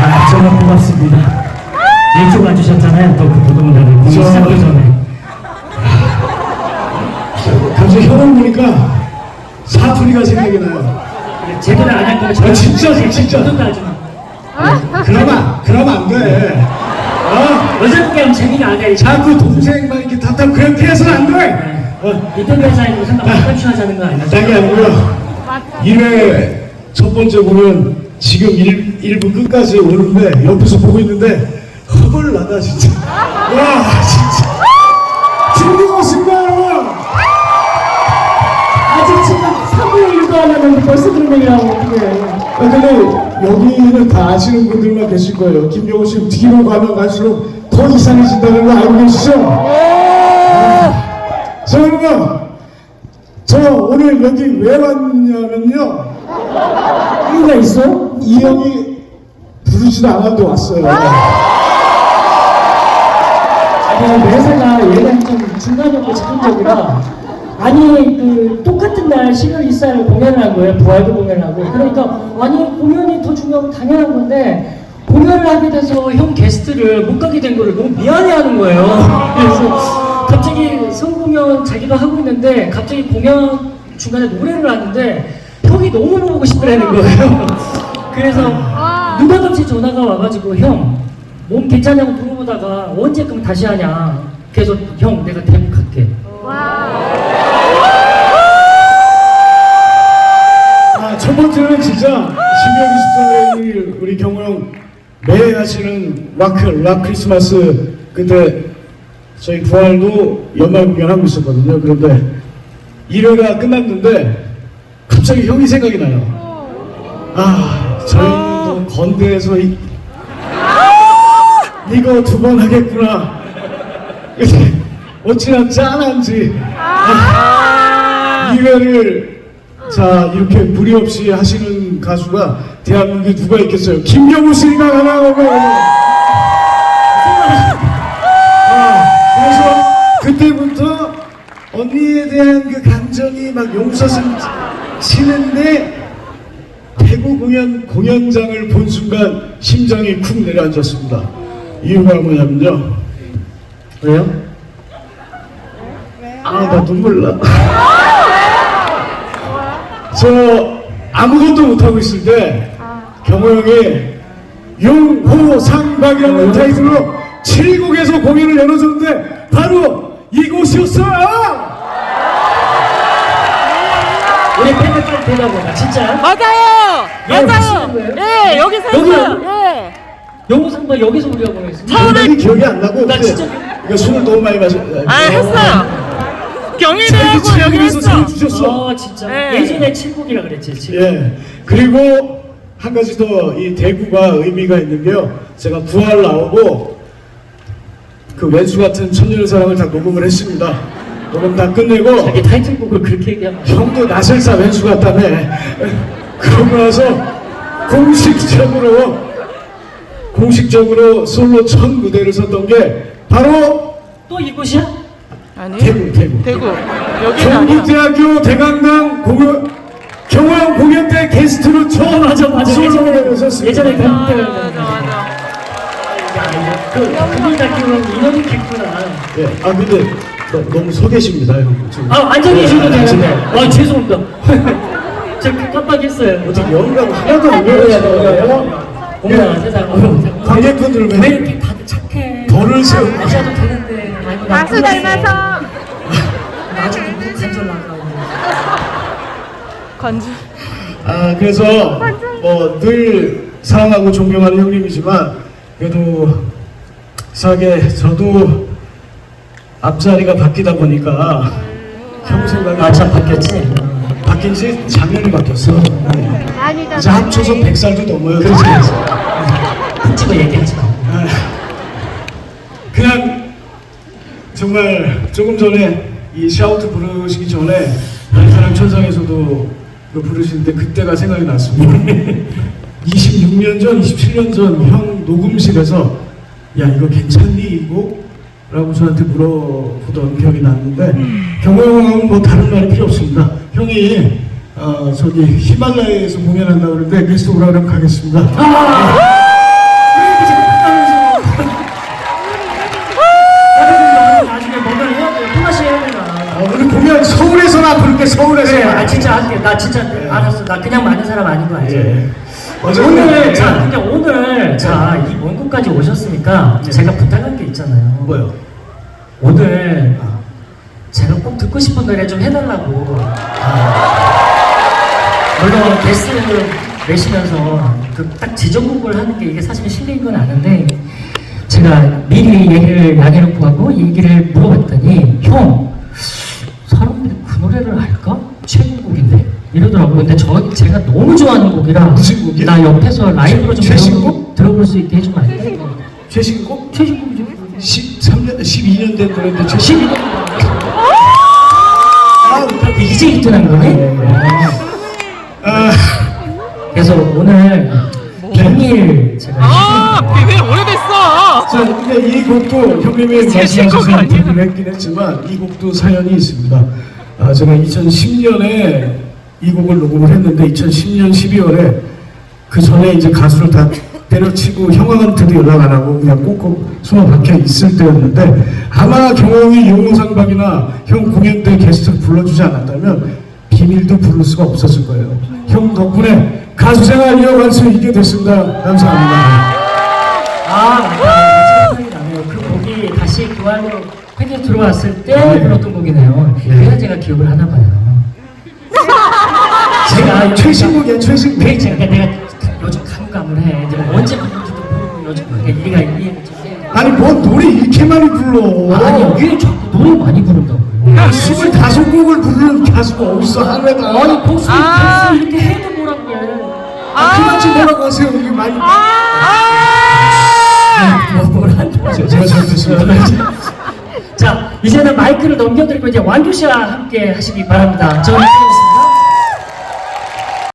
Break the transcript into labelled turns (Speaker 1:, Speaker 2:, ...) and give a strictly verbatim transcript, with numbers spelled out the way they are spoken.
Speaker 1: 아, 정말 고맙습니다. 일찍 와주셨잖아요. 또 그 부동산을 공연 시작하기 전에.
Speaker 2: 갑자기 형을 보니까 사투리가 생각이 나요.
Speaker 1: 제대로 안 할 거면
Speaker 2: 아, 진짜, 진짜.
Speaker 1: 어떤 하지 마.
Speaker 2: 그러면, 그러면 안 돼. 어?
Speaker 1: 여자분께 하면 재미가 안 돼.
Speaker 2: 자꾸 동생만 이렇게 답답 그렇게 해서는 안 돼. 어?
Speaker 1: 인터뷰 회사에 무슨 깜깜하자는 거 아니야?
Speaker 2: 딴게 아니고요. 일 회 첫 번째 공연 지금 일 부 끝까지 오는데 옆에서 보고 있는데 허벌 나다 진짜. 와 진짜. 즐거웠습니다 여러분.
Speaker 1: 아직 지금 삼분의 일도 안 하는데 벌써 그런 얘기하고 어떡해.
Speaker 2: 아, 근데 여기는 다 아시는 분들만 계실 거예요. 김병호 씨 뒤로 가면 갈수록 더 이상해진다는 거 알고 계시죠? 아, 자 여러분 저 오늘 여기 왜 왔냐면요
Speaker 1: 이유가 있어?
Speaker 2: 이 형이 부르지도 않았는데 왔어요.
Speaker 1: 아니 매사가 얘가 좀 중간적으로 즉흥적이라 아니 그 똑같은 날 십이월 일일 공연을 한 거예요. 부활도 공연을 하고 그러니까 아니 공연이 더 중요하고 당연한 건데 공연을 하게 돼서 형 게스트를 못 가게 된 거를 너무 미안해하는 거예요. 그래서 갑자기 성공연 자기가 하고 있는데 갑자기 공연 중간에 노래를 하는데 형이 너무 보고 싶더라는 거예요. 그래서 누가든지 전화가 와가지고 형 몸 괜찮냐고 물어보다가 언제 그럼 다시 하냐. 그래서 형 내가 대북 할게.
Speaker 2: 아, 첫 번째는 진짜 십이월 이십사일 우리 경호 형 매해 하시는 락, 락 크리스마스 그때 저희 부활도 연말 공연하고 있었거든요. 그런데 일 회가 끝났는데 갑자기 형이 생각이 나요. 아, 저희는 또 건대에서 이, 이거 두 번 하겠구나. 근데 어찌나 짠한지 아, 이 회를 자 이렇게 무리 없이 하시는 가수가 대한민국에 누가 있겠어요? 김경호 씨가 하나 오고 아, 그래서 그때부터 언니에 대한 그 감정이 막 용서슴 치는데 대구 공연 공연장을 본 순간 심장이 쿵 내려앉았습니다. 이유가 뭐냐면요.
Speaker 1: 왜요?
Speaker 2: 아, 나 눈물 나. 저 아무것도 못하고 있을 때 경호 형이 용호상박이라는 타이틀로 칠 곡에서 공연을 열어줬는데 바로 이곳이었어요.
Speaker 1: 우리 팬들까지 보다 진짜?
Speaker 3: 맞아요!
Speaker 1: 예,
Speaker 3: 맞아요!
Speaker 1: 거예요?
Speaker 3: 예, 여기서
Speaker 1: 여기요?
Speaker 3: 했어요. 예.
Speaker 1: 영호상박 여기서 우리가 보냈습니다.
Speaker 2: 굉장히 기억이 안 나고
Speaker 1: 나
Speaker 2: 그때
Speaker 1: 진짜
Speaker 2: 이거 술을 너무 많이 마셔.
Speaker 3: 아, 했어요. 경희대하고 여기 했어.
Speaker 2: 상 주셨어.
Speaker 1: 아 진짜
Speaker 3: 네.
Speaker 1: 예전에 칠곡이라 그랬지 칠곡.
Speaker 2: 예. 그리고 한 가지 더 이 대구가 의미가 있는 게요. 제가 부활 나오고 그 왼수 같은 천년의 사랑을 다 녹음을 했습니다. 녹음 다 끝내고
Speaker 1: 자기 타이틀곡을 그렇게 얘기하면
Speaker 2: 형도 나설사 왼수 같다며. 그러고 나서 공식적으로 공식적으로 솔로 첫 무대를 섰던 게 바로
Speaker 1: 또 이곳이야?
Speaker 3: 아니.
Speaker 2: 대구 대구
Speaker 3: 대구. 여기는 아니야.
Speaker 2: 경북대학교 대강당 공연 경호형 공연 때 게스트로 처음
Speaker 1: 맞아 맞아 예전에
Speaker 2: 솔로로 섰습니다.
Speaker 1: 예전에
Speaker 3: 맞아,
Speaker 1: 경북대
Speaker 3: 맞아, 맞아.
Speaker 1: 그 그분 같기로는 인원이 있구나.
Speaker 2: 예, 아 근데 너, 너무 서 계십니다 형. 지금.
Speaker 1: 아 앉아 계셔도
Speaker 2: 아,
Speaker 1: 되는데.
Speaker 2: 앉아.
Speaker 1: 아 죄송합니다. 저 깜빡했어요.
Speaker 2: 어떻게 영감 하나도 안 배우시나요?
Speaker 1: 어머나 세상.
Speaker 2: 관객분들
Speaker 1: 왜
Speaker 2: 왜
Speaker 1: 이렇게 다들 착해?
Speaker 2: 덜을 세우
Speaker 1: 마셔도 되는데. 아이고, 나
Speaker 3: 가수 닮아서.
Speaker 1: 나중에 무슨 간절 나가고.
Speaker 3: 건주.
Speaker 2: 아 그래서 뭐 늘 사랑하고 존경하는 형님이지만 그래도 이상하게 저도 앞자리가 바뀌다 보니까 형 생각이
Speaker 1: 아참 바뀌었지.
Speaker 2: 바뀐 지 작년에 바뀌었어. 네. 이제 합쳐서 백 살도 넘어요.
Speaker 1: 그렇지 그렇지. 푹 찍어 얘기하지 마.
Speaker 2: 아, 그냥 정말 조금 전에 이 샤우트 부르시기 전에 사랑 천상에서도 그 부르시는데 그때가 생각이 났습니다. 이십육 년 전, 이십칠 년 전 형 녹음실에서 야 이거 괜찮니 이 곡? 라고 저한테 물어보던 기억이 났는데 경호 형은 뭐 다른 말이 필요 없습니다. 형이 어, 저기 히말라야에서 공연한다고 그러는데 게스트 오라 그러면 가겠습니다.
Speaker 1: 아!
Speaker 2: 예.
Speaker 1: 오늘 자 근데 오늘 자 이 먼 곳까지 오셨으니까 제가 부탁한 게 있잖아요.
Speaker 2: 뭐요?
Speaker 1: 오늘 제가 꼭 듣고 싶은 노래 좀 해달라고. 물론 게스트 내시면서 그 딱 지정곡을 하는 게 이게 사실 실례인 건 아는데 제가 미리 얘기를 양해놓고 하고 얘기를 물어봤더니 형 사람들이 그 노래를 알까? 최근곡인데 이러더라고요. 근데 저 제가 너무 좋아하는 곡이라
Speaker 2: 무슨 곡이야?
Speaker 1: 나 옆에서 라이브로 좀
Speaker 2: 최신곡?
Speaker 1: 배워보고 들어볼 수 있게 해주면 안 돼?
Speaker 2: 최신곡?
Speaker 1: 최신곡이죠.
Speaker 2: 십삼 년, 십이 년 된 노래인데 최신
Speaker 1: 십이 년 아, 이제 입문한 거네?
Speaker 2: 아,
Speaker 1: 그래서 오늘 비밀 제가
Speaker 3: 아, 비밀 오래됐어.
Speaker 2: 자, 근데 이 곡도 형님이
Speaker 3: 최신곡
Speaker 2: 말씀하셔서
Speaker 3: 아니야?
Speaker 2: 얘기를 했긴 했지만 이 곡도 사연이 있습니다. 아, 제가 이천십 년에 이 곡을 녹음을 했는데 이천십 년 십이월에 그 전에 이제 가수를 다 때려치고 형한테도 연락 안 하고 그냥 꼭꼭 숨어 박혀 있을 때였는데 아마 경영이 용호상박이나 형 공연 때 게스트 불러주지 않았다면 비밀도 부를 수가 없었을 거예요. 형 덕분에 가수 생활 이어갈 수 있게 됐습니다. 감사합니다.
Speaker 1: 아 맞다 생각이 나네요. 그 곡이 다시 교환으로 팬이 들어왔을 때
Speaker 2: 네.
Speaker 1: 불렀던 곡이네요.
Speaker 2: 네.
Speaker 1: 그래야 제가 기억을 하나 봐요. 제가
Speaker 2: 최신곡이야, 최신곡.
Speaker 1: 네, 제가 내가 요즘 감감을 해. 이제 뭐 언제 부르는지도 모르고 요즘 그러니까 이해가 이해가 좀 돼.
Speaker 2: 아니 뭔 노래 이렇게 많이 불러?
Speaker 1: 아니요, 왜 자꾸 노래 많이 부른다고요?
Speaker 2: 스물다섯 곡을 부르는 가수가 어딨어 하루에다.
Speaker 1: 아니 복수
Speaker 3: 아.
Speaker 1: 복수 이렇게 해도 뭐라고 해?
Speaker 2: 아, 그만 좀 뭐라고 하세요. 이게 많이.
Speaker 1: 뭐 뭐란다.
Speaker 2: 제- 제가 잘못했습니다.
Speaker 1: 자 이제는 마이크를 넘겨드리고 이제 완규 씨와 함께 하시기 바랍니다. 저는 이렇습니다.